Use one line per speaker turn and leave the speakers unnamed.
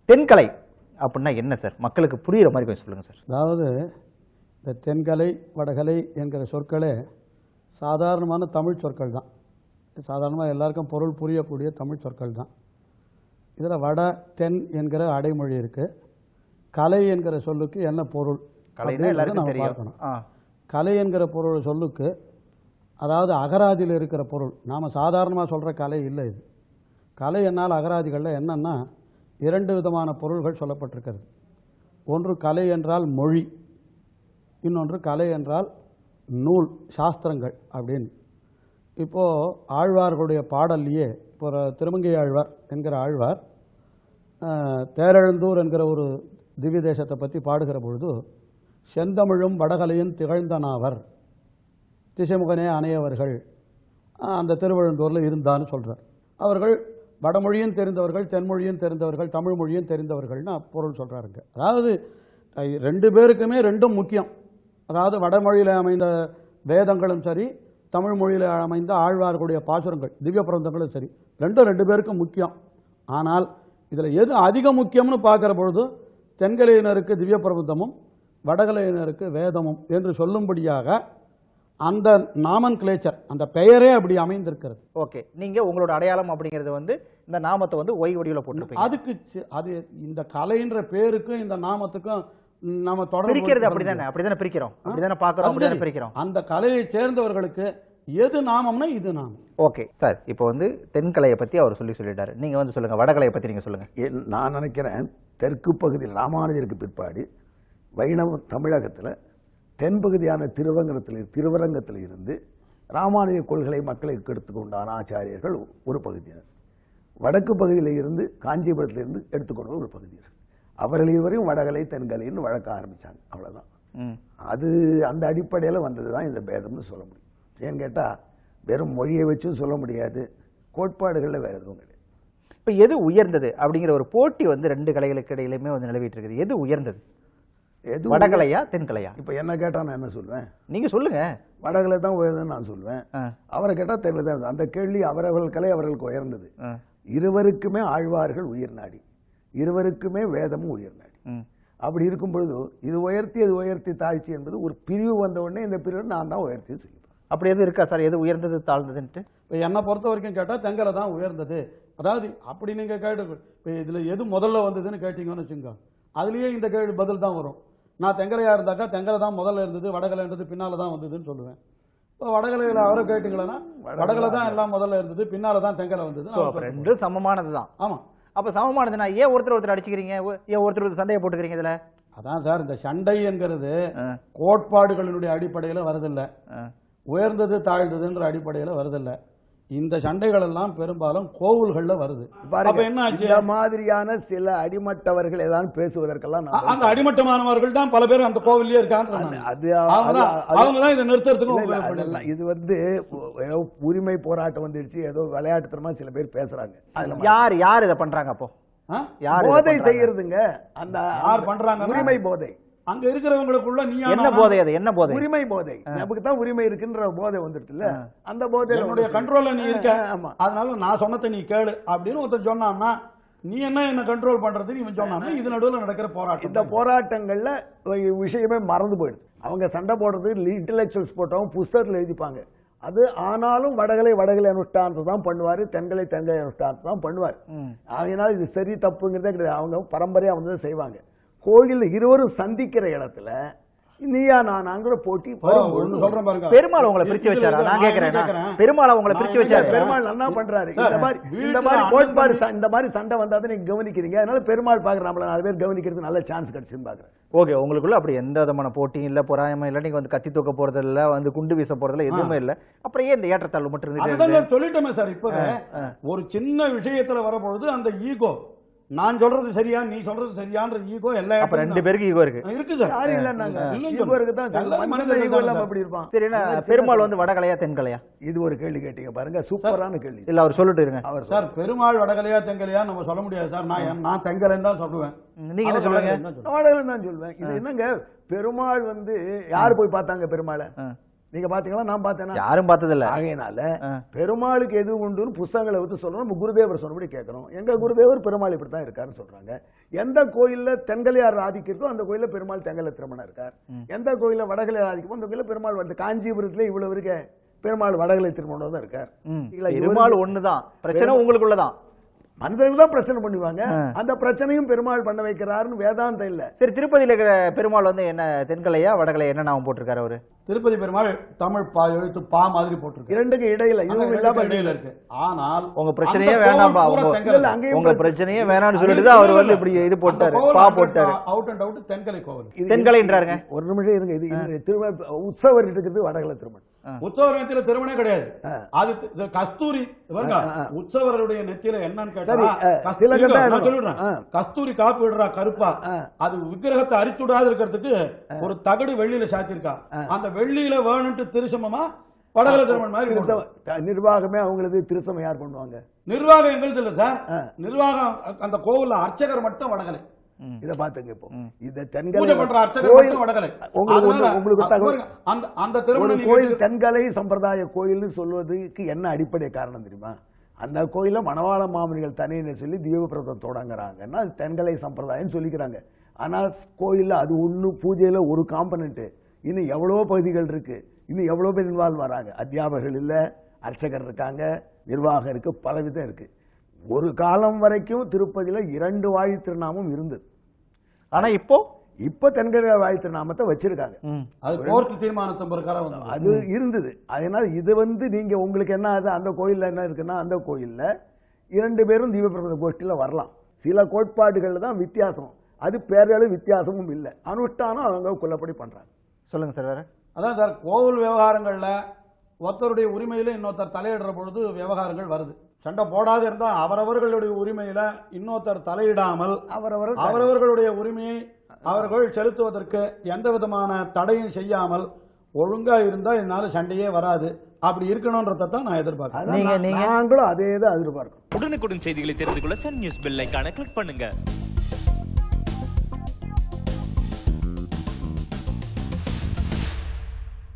தென்கலை அப்படின்னா என்ன சார்? மக்களுக்கு புரியுற மாதிரி கொஞ்சம் சொல்லுங்க சார்.
அதாவது இந்த தென்கலை வடகலை என்கிற சொற்களே சாதாரணமான தமிழ் சொற்கள் தான். சாதாரணமாக எல்லாருக்கும் பொருள் புரியக்கூடிய தமிழ் சொற்கள் தான். இதில் வட தென் என்கிற அடைமொழி இருக்குது. கலை என்கிற சொல்லுக்கு என்ன பொருள் நம்ம பார்க்கணும். கலை என்கிற பொருள் சொல்லுக்கு அதாவது அகராதியில் இருக்கிற பொருள். நாம் சாதாரணமாக சொல்கிற கலை இல்லை இது. கலை என்னால் அகராதிகளில் என்னென்னா 2 விதமான பொருள்கள் சொல்லப்பட்டிருக்கிறது. ஒன்று கலை என்றால் மொழி, இன்னொன்று கலை என்றால் நூல், சாஸ்திரங்கள் அப்படின்னு. இப்போது ஆழ்வார்களுடைய பாடல்லையே இப்போ திருமங்கை ஆழ்வார் என்கிற ஆழ்வார் தேரெழுந்தூர் என்கிற ஒரு திவ்ய தேசத்தை பற்றி பாடுகிற பொழுது செந்தமிழும் வடகலையும் திகழ்ந்தனாவர் திசைமுகனே அணையவர்கள் அந்த திருவழுந்தூரில் இருந்தான்னு சொல்கிறார். அவர்கள் வடமொழியும் தெரிந்தவர்கள், தென்மொழியும் தெரிந்தவர்கள், தமிழ் மொழியும் தெரிந்தவர்கள்னு பொருள் சொல்கிறாருங்க. அதாவது 2 பேருக்குமே 2ம் முக்கியம். அதாவது வடமொழியில் அமைந்த வேதங்களும் சரி, தமிழ் மொழியில் அமைந்த ஆழ்வார்களுடைய பாசுரங்கள் திவ்ய பிரபந்தங்களும் சரி, 2 பேருக்கும் முக்கியம். ஆனால் இதில் எது அதிக முக்கியம்னு பார்க்குற பொழுது தென்கலையினருக்கு திவ்ய பிரபந்தமும் வடகலையினருக்கு வேதமும் என்று சொல்லும்படியாக அந்த நாமன் கிளேச்சர், அந்த பெயரே அப்படி அமைந்திருக்கிறது.
ஓகே, நீங்க உங்களோட அடையாளம் அப்படிங்கிறது இந்த நாமத்தை ஒய் வடிவில் போட்டு
அதுக்கு அது இந்த கலைன்ற பேருக்கும் இந்த நாமத்துக்கும் நம்ம
தொடர்ந்து அப்படிதானே பிரிக்கிறோம், அப்படிதானே பார்க்கிறோம், அப்படிதானே பிரிக்கிறோம்.
அந்த கலையை சேர்ந்தவர்களுக்கு எது நாமம்னா இது நாமம்.
ஓகே சார், இப்போ தென்கலையை பத்தி அவர் சொல்லிட்டாரு. நீங்க சொல்லுங்க, வடகலையை பத்தி நீங்க சொல்லுங்க.
நான் நினைக்கிறேன் தெற்கு பகுதியில் ராமானுஜருக்கு பிற்பாடு வைணவ தமிழகத்தில் தென்பகுதியான திருவரங்கத்தில் இருந்து ராமானுஜ கொள்கை மக்களுக்கு எடுத்துக்கொண்டான ஆச்சாரியர்கள் ஒரு பகுதியினர், வடக்கு பகுதியில் இருந்து காஞ்சிபுரத்திலிருந்து எடுத்துக்கொண்ட ஒரு பகுதியினர். அவர்கள் இருவரையும் வடகலை தென்கலைன்னு வழக்க ஆரம்பிச்சாங்க. அவ்வளவுதான். அது அந்த அடிப்படையில் வந்ததுதான் இந்த பேதம்னு சொல்ல முடியும். ஏன்னு கேட்டால் வெறும் மொழியை வச்சும் சொல்ல முடியாது, கோட்பாடுகளில் வேற எதுவும் கிடையாது.
இப்போ எது உயர்ந்தது அப்படிங்கிற ஒரு போட்டி 2 கலைகளுக்கு இடையிலுமே நிலவிட்டு இருக்குது. எது உயர்ந்தது, வடகலையா தென்கலையா?
இப்ப என்ன கேட்டா நான் என்ன சொல்வேன்?
நீங்க சொல்லுங்க.
வடகலை தான் உயர்ந்ததுன்னு நான் சொல்வேன். அவரை கேட்டா தென்கலை தான். அந்த கேள்வி அவரவர்கள் கலை அவர்களுக்கு உயர்ந்தது. இருவருக்குமே ஆழ்வார்கள் உயிர் நாடி, இருவருக்குமே வேதமும் உயிர் நாடி. அப்படி இருக்கும் பொழுது இது உயர்த்தி தாழ்ச்சி என்பது ஒரு பிரிவு வந்த உடனே இந்த பிரிவு நான் தான் உயர்த்தி சொல்லிப்பேன்.
அப்படி எது இருக்கா சார், எது உயர்ந்தது தாழ்ந்ததுன்ட்டு?
இப்போ என்னை பொறுத்த வரைக்கும் கேட்டால் தென்கலை தான் உயர்ந்தது. அதாவது அப்படி நீங்கள் கேட்டு இப்போ இதில் எது முதல்ல வந்ததுன்னு கேட்டீங்கன்னு வச்சுங்க, அதுலேயே இந்த கேள்வி பதில் தான் வரும். நான் தெங்கலையா இருந்தாக்கா தெங்கலை தான் முதல்ல இருந்தது, வடகலைன்றது பின்னால தான் வந்ததுன்னு சொல்லுவேன். இப்போ வடகலையில் அவரை கேட்டீங்களா, வடகலை தான் எல்லாம் முதல்ல இருந்தது, பின்னால தான் தெங்கலை வந்தது.
2 சமமானது தான்.
ஆமா.
அப்ப சமமானதுன்னா ஏன் ஒருத்தர் அடிச்சுக்கிறீங்க, ஏன் ஒருத்தர் சண்டையை போட்டுக்கிறீங்க? இதுல
அதான் சார், இந்த சண்டை என்கிறது கோட்பாடுகளினுடைய அடிப்படையில் வருதில்லை, உயர்ந்தது தாழ்ந்ததுன்ற அடிப்படையில் வருதில்லை. இந்த சண்டைகள் எல்லாம் பெரும்பாலும் கோவில்கள்ல வருது.
என்ன இந்த மாதிரியான சில அடிமட்டவர்கள் ஏதாவது பேசுவதற்கெல்லாம்
அந்த அடிமட்டமானவர்கள் தான் பல பேர் அந்த கோவிலே இருக்காங்க. அவங்க தான் இதை நிறுத்துறதுக்கு.
இது உரிமை போராட்டம் வந்துடுச்சு, ஏதோ விளையாட்டுத்தனமா சில பேர் பேசுறாங்க.
யார் இதை பண்றாங்க? அப்போ
போதை செய்யறதுங்க, அந்த
யார் பண்றாங்க?
உரிமை போதை.
அங்க இருக்கிறவங்களுக்குள்ள நீ
என்ன போதை? அது என்ன போதை?
உரிமை போதை. நமக்கு தான் உரிமை இருக்குன்ற போதை வந்துட்டுல, அந்த போதை
என்னுடைய கண்ட்ரோல்ல நீ இருக்க, அதனால நான் சொன்னதை நீ கேளு அப்படின்னு ஒருத்தர் சொன்னான்னா நீ என்ன கண்ட்ரோல் பண்றது இவன் சொன்னா இது நடுவில் நடக்கிற போராட்டம்.
இந்த போராட்டங்கள்ல விஷயமே மறந்து போயிடுது. அவங்க சண்டை போடுறது இன்டெலெக்சுவல்ஸ் போட்டவங்க புஸ்தகத்தில் எழுதிப்பாங்க. அது ஆனாலும் வடகலை அனுஷ்டானத்தை தான் பண்ணுவாரு, தென்கலை அனுஷ்டானத்தை தான் பண்ணுவார். அதனால இது சரி தப்புங்கிறதே கிடையாது. அவங்க பரம்பரையா வந்து செய்வாங்க. கோயில் இருவரும் சந்திக்கிற இடத்துல நீயா நானாங்கிற போட்டி.
பெருமாள் உங்களை பிரிச்சு வச்சாரா? நான் கேக்குறேன், பெருமாள் உங்களை பிரிச்சு வச்சாரு?
பெருமாள் என்ன பண்றாரு, இந்த மாதிரி கோட்பாடு இந்த மாதிரி சண்டை வந்தாதான் நீங்க கவனிக்கிறீங்க. அதனால பெருமாள் பாக்குற நம்மள 4 பேர் கவனிக்கிறது நல்ல சான்ஸ் கிடைச்சுன்னு பாக்குறேன்.
ஓகே, உங்களுக்குள்ள அப்படி எந்த விதமான போட்டியும் இல்ல, பொறாயமா இல்ல, நீங்க கத்தி தூக்க போறது இல்ல, குண்டு வீச போறதுல எதுவுமே இல்ல. அப்புறம் ஏன் இந்த ஏற்றத்தாழ்வு மட்டும்
இருந்து சொல்லிட்டோமே சார். இப்ப ஒரு சின்ன விஷயத்துல வரப்பொழுது அந்த ஈகோ, நான் சொல்றது சரியா நீ சொல்றது சரியான்ற ஈகோ எல்லா
2 பேருக்கு ஈகோ இருக்கு
சார்.
பெருமாள் வடகலையா தென்கலையா?
இது ஒரு கேள்வி கேட்டீங்க பாருங்க, சூப்பரான கேள்வி.
இல்ல அவர் சொல்லிட்டு இருங்க.
அவர் சார் பெருமாள் வடகலையா தென்கலையா நம்ம சொல்ல முடியாது சார். நான் தென்கலைன்னு தான் சொல்லுவேன்.
நீங்க என்ன சொல்லுங்க?
வடகலை தான் சொல்லுவேன். இது என்னங்க, பெருமாள் யாரு போய் பார்த்தாங்க பெருமாளை? நீங்க பாத்தீங்களா? நான் பார்த்தேன்னா
யாரும் பார்த்ததில்ல.
ஆகையினால பெருமாளுக்கு எது உண்டுன்னு புஸ்தகங்களை வந்து சொல்லணும். நம்ம குருதேவர் சொன்னபடி கேட்கறோம். எங்க குருதேவர் பெருமாள் இப்படித்தான் இருக்காருன்னு சொல்றாங்க. எந்த கோயில்ல தென்கலையார் ஆதிக்கிறதோ அந்த கோயில்ல பெருமாள் தெங்கல திருமணம் இருக்கார். எந்த கோயில்ல வடகலையார் ஆதிக்கமோ அந்த கோயில்ல பெருமாள் வந்து காஞ்சிபுரத்துல இவ்வளவு இருக்க பெருமாள் வடகலை திருமணம் தான் இருக்கார்.
பெருமாள் ஒண்ணுதான், பிரச்சனை உங்களுக்குள்ளதான்.
மனிதர்கள் தான் பிரச்சனை பண்ணுவாங்க. அந்த பிரச்சனையும் பெருமாள் பண்ண வைக்கிறாருன்னு வேதாந்தம் இல்ல.
சரி, திருப்பதியில இருக்கிற பெருமாள் வந்து என்ன தென்கலையா வடகலையா என்ன நாமம் போட்டிருக்காரு அவரு?
திருப்பதி பெருமாள் தமிழ் எழுத்து பா மாதிரி போட்டிருக்கு.
இரண்டுக்கு இடையில இதுவும் இல்லாம
இடையில இருக்கு. ஆனால்
உங்க பிரச்சனையே வேண்டாம்பா, உங்க பிரச்சனையே வேணாம்னு சொல்லிட்டு அவர் வந்து இப்படி இது போட்டாரு, பா போட்டாரு.
அவுட் அண்ட் அவுட் தென்கலை கோவில்.
தென்கலைன்றாருங்க.
ஒரு நிமிஷம் இருங்க. இது திருமண உற்சவர் இருக்கிறது வடகலை திருமணம்.
உற்சவர் நெத்தியில திருமணே கிடையாது. அது கஸ்தூரி உற்சவருடைய நெத்தியில என்னன்னு கேட்டா கஸ்தூரி காப்பு விடுறா கருப்பா. அது விக்கிரகத்தை அரிச்சுடாது இருக்கிறதுக்கு ஒரு தகடு வெள்ளியில சாத்திருக்கா. அந்த வெள்ளியில வேணும்ட்டு திருசமமா வடகலை திருமணம் மாதிரி.
நிர்வாகமே அவங்களுக்கு திருசமம் யார் பண்ணுவாங்க?
நிர்வாகம் எங்களுக்கு இல்ல சார். நிர்வாகம் அந்த கோவில்ல அர்ச்சகர் மட்டும் வடகலை.
இத பாத்துங்க. இப்போ இந்த
தென்கலை பண்ற அர்ச்சகர் மட்டும் வடகலை.
உங்களுக்கு
அந்த திருமண
கோயில் தென்கலை சம்பிரதாய கோயில்னு சொல்வதற்கு என்ன அடிப்படை காரணம் தெரியுமா? அந்த கோயில மணவாள மாமனிகள் தனியை சொல்லி தீபபிரதம் தொடங்குறாங்கன்னா அது தென்கலை சம்பிரதாயம் சொல்லிக்கிறாங்க. ஆனா கோயில்ல அது ஒண்ணு பூஜையில ஒரு காம்பனன்ட். இன்னும் எவ்வளவோ பகுதிகள் இருக்கு. இன்னும் எவ்வளவு பேர் இன்வால்வ் வராங்க. அத்தியாபகர்கள் இல்ல, அர்ச்சகர் இருக்காங்க, நிர்வாகம் இருக்கு, பலவிதம் இருக்கு. ஒரு காலம் வரைக்கும் திருப்பதியில 2 வாழி திருநாமம் இருந்தது.
ஆனா இப்போ
தென்கலை வாழி திருநாமத்தை வச்சிருக்காங்க.
அது கோர்ட் தீர்மானத்தின் பிரகாரம்
அது இருந்தது. அதனால இது வந்து நீங்க உங்களுக்கு என்ன ஆகுது? அந்த கோயில்ல என்ன இருக்குன்னா அந்த கோயில்ல 2 பேரும் தீபபிரபந்த கோஷ்டியில வரலாம். சில கோட்பாடுகள்ல தான் வித்தியாசம். அது பேரளவு வித்தியாசமும் இல்லை. அனுஷ்டானம் அவங்க கொல்லப்படி பண்றாங்க.
சொல்லுங்க சார். வேற
அதான் சார், கோவில் விவகாரங்கள்ல ஒருத்தருடைய உரிமையில இன்னொருத்தர் தலையிடுற பொழுது விவகாரங்கள் வருது. சண்டை போடாது இருந்தா அவரவர்களுடைய உரிமையில இன்னொருத்தர் தலையிடாமல் அவரவர்களுடைய உரிமையை அவர்கள் செலுத்துவதற்கு எந்த விதமான தடையும் செய்யாமல் ஒழுங்கா இருந்தா இதனால சண்டையே வராது. அப்படி இருக்கணும்ன்றதை தான் நான் எதிர்பார்க்கிறேன்.
நாங்களும் அதே தான் எதிர்பார்க்கிறோம்.
உடனுக்குடன் செய்திகளை தெரிந்து கொள்ள சன் நியூஸ் பெல் ஐகானை கிளிக் பண்ணுங்க.